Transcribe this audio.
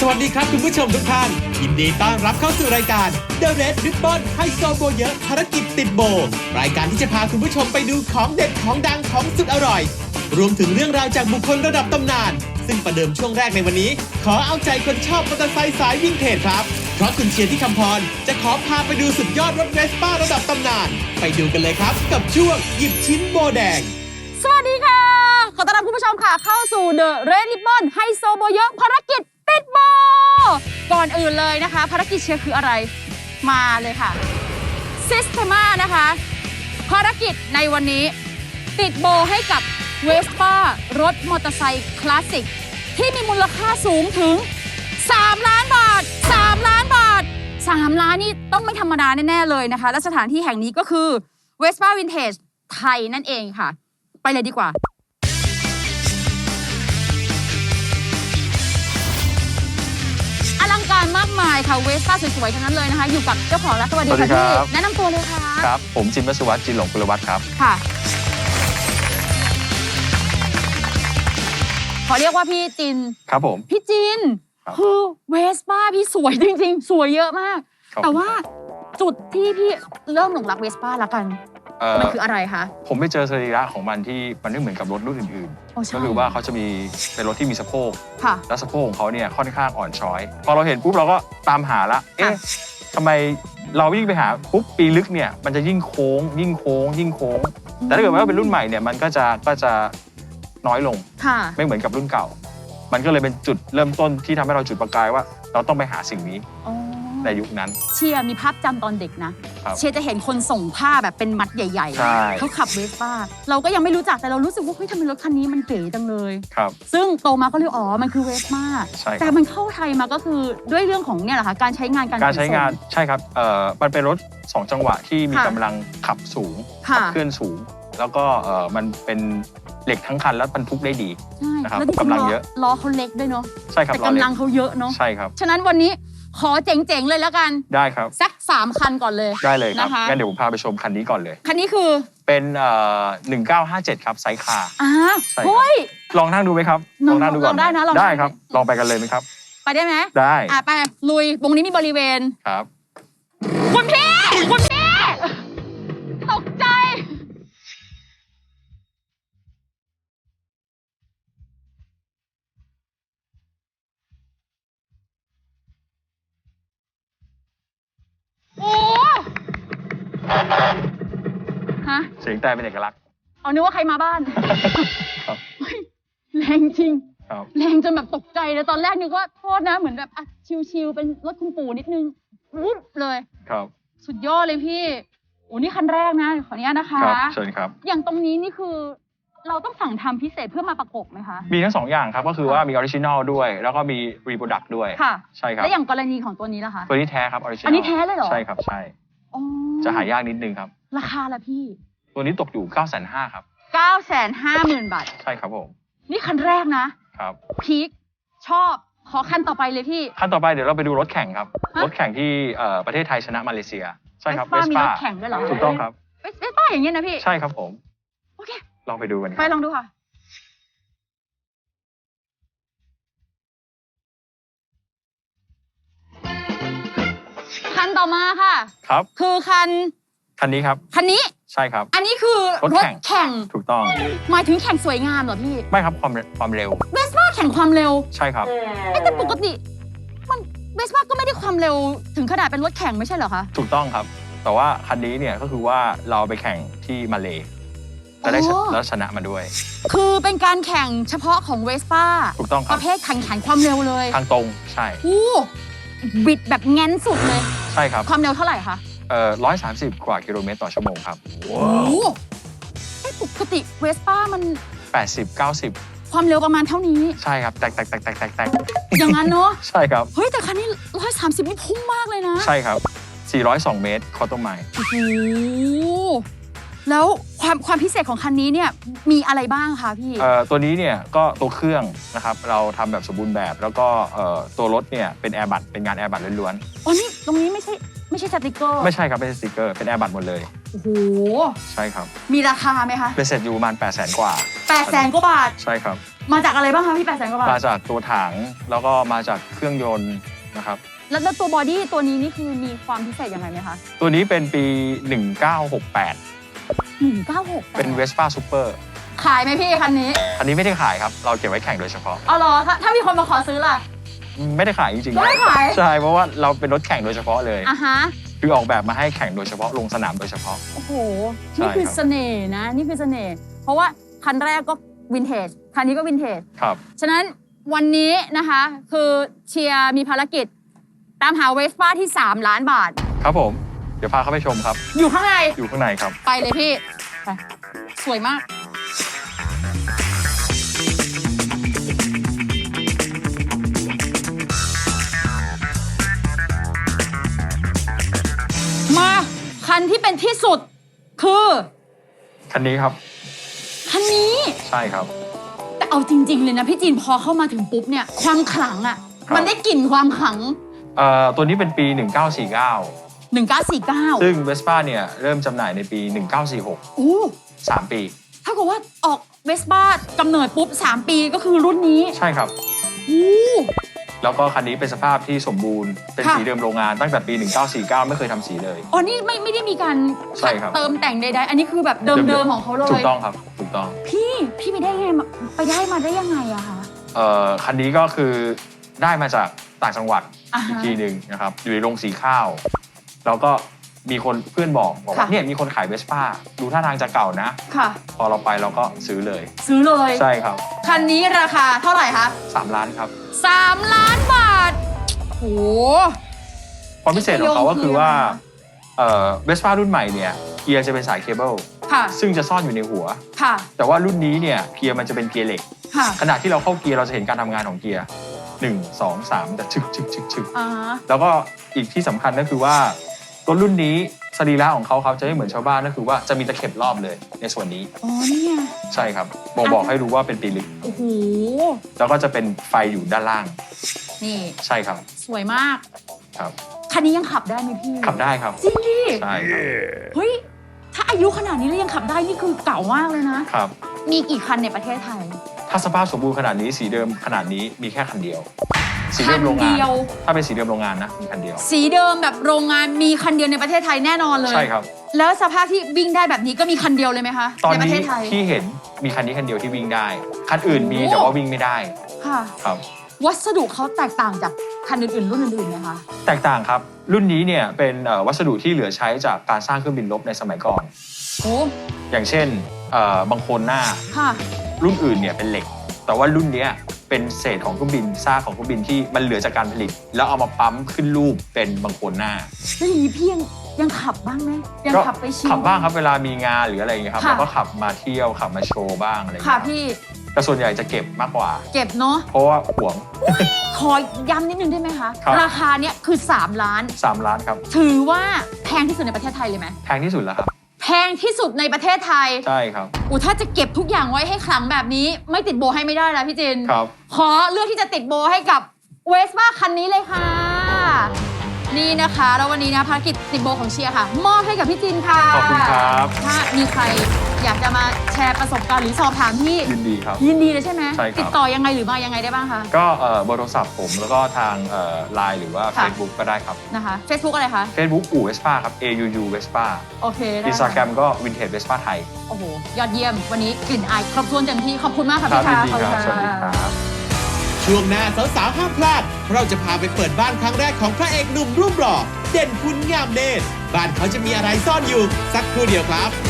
วัสดีครับคุณผู้ชมทุกท่านยินดีต้อนรับเข้าสู่รายการ The Red Ribbon ไฮโซโบเยอะภารกิจติดโบรายการที่จะพาคุณผู้ชมไปดูของเด็ดของดังของสุดอร่อยรวมถึงเรื่องราวจากบุคคลระดับตำนานซึ่งประเดิมช่วงแรกในวันนี้ขอเอาใจคนชอบมอเตอร์ไซค์สายวินเทจครับเพราะคุณเชียร์ที่คำพรจะขอพาไปดูสุดยอดรถเวสป้าระดับตำนานไปดูกันเลยครับกับช่วงหยิบชิ้นโบแดงสวัสดีค่ะขอต้อนรับคุณผู้ชมค่ะเข้าสู่ The Red Ribbon ไฮโซโบเยอะภารกิจติดโบก่อนอื่นเลยนะคะภารกิจเชียร์คืออะไรมาเลยค่ะ Systema นะคะภารกิจในวันนี้ติดโบให้กับ Vespa รถมอเตอร์ไซค์คลาสสิกที่มีมูลค่าสูงถึง3 ล้านบาท3 ล้านบาท3 ล้านนี่ต้องไม่ธรรมดาแน่ๆเลยนะคะและสถานที่แห่งนี้ก็คือ Vespa Vintage ไทยนั่นเองค่ะไปเลยดีกว่าอลังการมากมายค่ะเวสป้าสวยๆทั้งนั้นเลยนะคะอยู่กับเจ้าของแล้วสวัสดีค่ะพี่แนะนำตัวเลยค่ะครับผมจินวสุวัฒน์จินหลงกุลวัฒน์ครับค่ะขอเรียกว่าพี่จินครับผมพี่จินคือเวสป้าพี่สวยจริงๆสวยเยอะมากแต่ว่าจุดที่พี่เริ่มหลงรักเวสป้าละกันมันคืออะไรคะผมไปเจอสรีระของมันที่มันไม่เหมือนกับรถรุ่นอื่นๆก็คือว่าเขาจะมีเป็นรถที่มีสะโพกแล้วสะโพกของเขาเนี่ยค่อนข้างอ่อนช้อยพอเราเห็นปุ๊บเราก็ตามหาละเอ๊ะทำไมเราวิ่งไปหาปุ๊บปีลึกเนี่ยมันจะยิ่งโค้งยิ่งโค้งยิ่งโค้งแต่ถ้าเกิดว่าเป็นรุ่นใหม่เนี่ยมันก็จะน้อยลงไม่เหมือนกับรุ่นเก่ามันก็เลยเป็นจุดเริ่มต้นที่ทำให้เราจุดประกายว่าเราต้องไปหาสิ่งนี้ในยุคนั้นเชียร์มีภาพจำตอนเด็กนะเชียร์จะเห็นคนส่งผ้าแบบเป็นมัดใหญ่ๆเขาขับเวสป้าเราก็ยังไม่รู้จักแต่เรารู้สึกว่าเฮ้ยทำไมรถคันนี้มันเก๋จังเลยซึ่งโตมาก็เลยมันคือเวสป้าแต่มันเข้าไทยมาก็คือด้วยเรื่องของเนี่ยแหละค่ะการใช้งานการใช้งานใช่ครับมันเป็นรถ2 จังหวะที่มีกำลังขับสูงขับเคลื่อนสูงแล้วก็มันเป็นเหล็กทั้งคันแล้วบรรทุกได้ดีนะครับกำลังเยอะล้อเขาเล็กด้วยเนาะใช่ครับแต่กำลังเขาเยอะเนาะใช่ครับฉะนั้นวันนี้ขอเจ๋งๆเลยแล้วกันได้ครับสัก3 คันก่อนเลยได้เลยครับงั้นเดี๋ยวผมพาไปชมคันนี้ก่อนเลยคันนี้คือเป็น1957ครับไซส์คาร์เฮ้ยลองนั่งดูไหมครับลองนั่งดูก่อนได้นะได้ครับลองไปกันเลยไหมครับไปได้ไหมได้ไปลุยตรงนี้มีบริเวณครับคุณพี่ตกใจโอ้ฮะเสียงแต่เป็นเอกลักษณ์นึกว่าใครมาบ้านแรงจริงแรงจนแบบตกใจเลยตอนแรกนึกว่าโทษนะเหมือนแบบชิวๆเป็นรถคุณปู่นิดนึงวุบเลยครับสุดยอดเลยพี่โอ้นี่คันแรกนะขออนุญาตนะคะครับเชิญครับอย่างตรงนี้นี่คือเราต้องสั่งทำพิเศษเพื่อมาประกบไหมคะมีทั้ง2 อย่างครับก็คือว่ามีออริจินอลด้วยแล้วก็มีรีโปรดักต์ด้วยค่ะใช่ครับแล้วอย่างกรณีของตัวนี้ล่ะคะตัวนี้แท้ครับออริจินอลอันนี้แท้เลยเหรอใช่ครับใช่จะหายากนิดนึงครับราคาละพี่ตัวนี้ตกอยู่950,000ครับ 950,000 บาทใช่ครับผมนี่คันแรกนะครับพีคชอบขอคันต่อไปเลยพี่คันต่อไปเดี๋ยวเราไปดูรถแข่งครับรถแข่งที่ประเทศไทยชนะมาเลเซียใช่ครับเวสป้ามีรถแข่งด้วยเหรอถูกต้องครับเวสป้าอย่างเงี้ยนะพี่ใช่ครับผมโอเคลองไปดูกันไปลองดูค่ะคันต่อมาค่ะครับคือคันนี้ครับคันนี้ใช่ครับอันนี้คือรถแข่งถูกต้องหมายถึงแข่งสวยงามเหรอพี่ไม่ครับความเร็วเวสป้าแข่งความเร็วใช่ครับแต่ปกติมันเวสป้าก็ไม่ได้ความเร็วถึงขนาดเป็นรถแข่งไม่ใช่เหรอคะถูกต้องครับแต่ว่าคันนี้เนี่ยก็คือว่าเราไปแข่งที่มาเลจะได้แล้วชนะมาด้วยคือเป็นการแข่งเฉพาะของเวสป้าถูกต้องครับประเภทแข่งขันความเร็วเลยทางตรงใช่บิดแบบแง้นสุดเลยใช่ครับความเร็วเท่าไหร่คะ 130 กว่ากิโลเมตรต่อชั่วโมงครับว้าวปกติเวสป้ามัน 80-90 ความเร็วประมาณเท่านี้ใช่ครับแตกอย่างนั้นเนาะใช่ครับเฮ้ยแต่คันนี้130นี่พุ่งมากเลยนะใช่ครับ402 เมตรคอตโตไมล์โอ้โหแล้วความพิเศษของคันนี้เนี่ยมีอะไรบ้างคะพี่ตัวนี้เนี่ยก็ตัวเครื่องนะครับเราทำแบบสมบูรณ์แบบแล้วก็ตัวรถเนี่ยเป็นแอร์บัตเป็นงานแอร์บัตล้วนๆอ๋อนี่ตรงนี้ไม่ใช่สติกเกอร์ไม่ใช่ครับไม่ใช่สติกเกอร์เป็นแอร์บัตหมดเลยโอ้โหใช่ครับมีราคาไหมคะเป็นเสร็จอยู่ประมาณ800,000 กว่า 800,000 กว่าบาทใช่ครับมาจากอะไรบ้างคะพี่800,000 กว่าบาทมาจากตัวถังแล้วก็มาจากเครื่องยนต์นะครับแล้วตัวบอดี้ตัวนี้นี่คือมีความพิเศษยังไงไหมคะตัวนี้เป็นปี 1968 เป็น Vespa Super ขายไหมพี่คันนี้อันนี้ไม่ได้ขายครับเราเก็บไว้แข่งโดยเฉพาะเอาเหรอถ้ามีคนมาขอซื้อล่ะไม่ได้ขายจริงๆไม่ได้ขายใช่เพราะว่าเราเป็นรถแข่งโดยเฉพาะเลยอ่ะฮะคือออกแบบมาให้แข่งโดยเฉพาะลงสนามโดยเฉพาะโอ้โหใช่นี่คือครับเสน่ห์นะ นี่คือเสน่ห์ เพราะว่าคันแรกก็วินเทจ คันนี้ก็วินเทจครับฉะนั้นวันนี้นะคะคือเชียร์มีภารกิจ ตามหาเวสป้าที่ 3 ล้านบาทครับผมเดี๋ยวพาเข้าไปชมครับอยู่ข้างในอยู่ข้างในครับไปเลยพี่ ไป สวยมาก มาคันที่เป็นที่สุด คือคันนี้ครับคันนี้ใช่ครับแต่เอาจริง ๆ เลยนะพี่จีนพอเข้ามาถึงปุ๊บเนี่ย ความขลังอ่ะครับมันได้กลิ่นความขลังตัวนี้เป็นปี 1949 1949 ซึ่ง Vespa เนี่ยเริ่มจำหน่ายในปี 1946 โอ้ 3 ปีถ้าเกิดว่าออกเวสป้ากำเนิดปุ๊บ 3 ปีก็คือรุ่นนี้ใช่ครับโอ้แล้วก็คันนี้เป็นสภาพที่สมบูรณ์ เป็นค่ะสีเดิมโรงงานตั้งแต่ปี 1949 ไม่เคยทำสีเลยอ๋อนี่ไม่ได้มีการใช่ครับเติมแต่งใดๆ อันนี้คือแบบเดิมๆของเขาเลยถูกต้องครับ ถูกต้องพี่ไปได้ไงไปได้มาได้ยังไงอะคะคันนี้ก็คือได้มาจากต่างจังหวัดอ่าฮะอีกทีหนึ่งนะครับ อยู่ในโรงสีข้าว แล้วก็มีคนเพื่อนบอกว่าค่ะเนี่ยมีคนขายเวสป้าดูท่าทางจะเก่านะค่ะพอเราไปเราก็ซื้อเลยซื้อเลยใช่ครับคันนี้ราคาเท่าไหร่คะ 3 ล้านครับ 3 ล้านบาทโหความพิเศษของเขาก็คือว่าเวสป้ารุ่นใหม่เนี่ยเกียร์จะเป็นสายเคเบิลค่ะซึ่งจะซ่อนอยู่ในหัวค่ะแต่ว่ารุ่นนี้เนี่ยเกียร์มันจะเป็นเกียร์เหล็กค่ะขณะที่เราเข้าเกียร์เราจะเห็นการทำงานของเกียร์1 2 3แต่ชึกชึกชึกชึกอ่าฮะแล้วก็อีกที่สำคัญก็คือว่ารถรุ่นนี้สรีระของเขาครับจะไม่เหมือนชาวบ้านก็คือว่าจะมีตะเข็บรอบเลยในส่วนนี้อ๋อเนี่ยใช่ครับบอกให้รู้ว่าเป็นปีลึกโอ้โหแล้วก็จะเป็นไฟอยู่ด้านล่างนี่ใช่ครับสวยมากครับคันนี้ยังขับได้ไหมพี่ขับได้ครับจริงดิใช่ครับเฮ้ย ถ้าอายุขนาดนี้แล้วยังขับได้นี่คือเก่ามากเลยนะครับมีกี่คันในประเทศไทยถ้าสภาพสมบูรณ์ขนาดนี้สีเดิมขนาดนี้มีแค่คันเดียว สีเดิมโรงคันงานเดียวถ้าเป็นสีเดิมโรงงานนะมีคันเดียวสีเดิมแบบโรงงานมีคันเดียวในประเทศไทยแน่นอนเลยใช่ครับแล้วสภาพที่วิ่งได้แบบนี้ก็มีคันเดียวเลยไหมคะตอนในประนี้เทศไทยที่เห็นมีคันนี้คันเดียวที่วิ่งได้ คันอื่นมีโอ้แต่ว่าวิ่งไม่ได้ค่ะครับวัสดุเขาแตกต่างจากคันอื่นๆ รุ่นอื่นๆไหมคะแตกต่างครับ รุ่นนี้เนี่ยเป็นวัสดุที่เหลือใช้จากการสร้างเครื่องบินรบในสมัยก่อนโอ้อย่างเช่นบางโคนหน้าค่ะรุ่นอื่นเนี่ยเป็นเหล็ก แต่ว่ารุ่นเนี้ยเป็นเศษของเครื่องบินซากของเครื่องบินที่มันเหลือจากการผลิต แล้วเอามาปั๊มขึ้นรูปเป็นบางโคนหน้าแล้วอย่างนี้พี่ยังขับบ้างไหมยังก็ขับไปชิลขับบ้างครับเวลามีงานหรืออะไรอย่างเงี้ยครับค่ะเราก็ขับมาเที่ยวขับมาโชว์บ้างอะไรอย่างค่ะเงี้ยพี่แต่ส่วนใหญ่จะเก็บมากกว่าเก็บเนาะเพราะว่าหวงขอย้ำนิดนึงได้ไหมคะครับราคาเนี้ยคือ 3 ล้าน 3 ล้านครับถือว่าแพงที่สุดในประเทศไทยเลยไหมแพงที่สุดแล้วครับแพงที่สุดในประเทศไทยใช่ครับถ้าจะเก็บทุกอย่างไว้ให้ขลังแบบนี้ ไม่ติดโบให้ไม่ได้แล้วพี่จินครับขอเลือกที่จะติดโบให้กับเวสป้าคันนี้เลยค่ะ นี่นะคะแล้ววันนี้นะภารกิจติดโบของเชียร์ค่ะ มอบให้กับพี่จินค่ะขอบคุณครับถ้ามีใครอยากจะมาแชร์ประสบการณ์หรือสอบถามที่ยินดีครับยินดีเลยใช่ไหมใช่ครับติดต่อยังไงหรือมายังไงได้บ้างคะก็เบอร์โทรศัพท์ผมแล้วก็ทางไลน์หรือว่าค่ะ Facebook ก็ได้ครับนะคะ Facebook อะไรคะ Facebook อู่ Vespa ครับ AUU Vespa โอเคได้ Instagram ก็ Vintage Vespa ไทยโอ้โหยอดเยี่ยมวันนี้กลิ่นอายครบถ้วนเต็มที่ขอบคุณมากค่ะครับพี่ยินค่ะดีครับขสอบวัสณดีครับช่วงหน้าสาวๆห้ามพลาด เราจะพาไปเปิดบ้านครั้งแรกของพระเอกหนุ่มรูปหล่อเด่นคุณงามเนตรบ้านเขาจะมีอะไรซ่อนอยู่ สักครู่เดียวครับ